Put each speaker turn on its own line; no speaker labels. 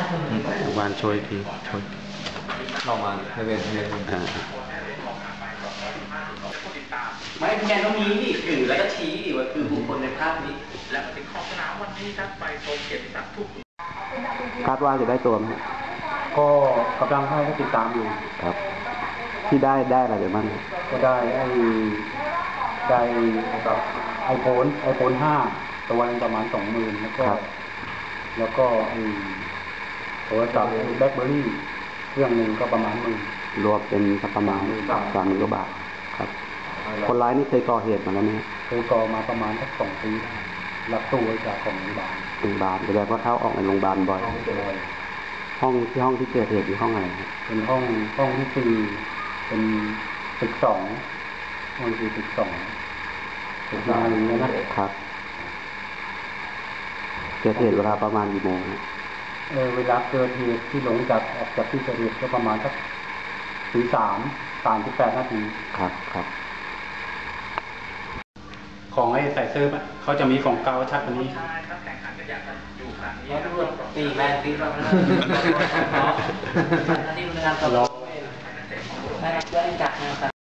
วานช่วยทีช่วย
ลองมาให้เวียนไม่แกต้องมีดิถือแล้วก็ชี้ดิว่าคือบุคคลในภาพนี้และถึงขอบสนามวันนี้ครับไปชมเกียรติศักดิ์ทุก
คาดว่าจะได้ตัวไหม
ก็กำลังให้ติดตามอยู่
ครับ ที่ได้อะไรบ้าง
ก็ได้กับไอโฟน5ตัวนึงประมาณ20,000แล้วก็โทรศัพท์แบล็คเบอร์รี่เครื่องหนึ่งก็ประมาณ10,000
รวมเป็นประมาณ30,000 กว่าบาทครับคนร้ายนี่เคยก่อเหตุมาแล้วไหม
เคยก่อมาประมาณสัก2 ปีรับตู้ไว้จากของโรงพยาบาล
แสดงว่าเข้าออกในโรงพยาบาลบ่อยห้องที่เกิดเหตุอยู่ห้องอะไร
เป็นห้องที่4เป็นตึก2ห้องที่ตึก2ตึกงานนี้
นะครับเกิดเหตุเวลาประมาณกี่โมง
เวลาเกิดเหตุที่หลงออกจากที่เกิดเหตุก็ประมาณสัก3:38 นาที
ครับ
ของไอ้ใส่เสื้อเขาจะมีของเกาชัดกว่านี้
ตีแม่ตีเรานี่มันงานตลอดไม่ได้จัดนะครับ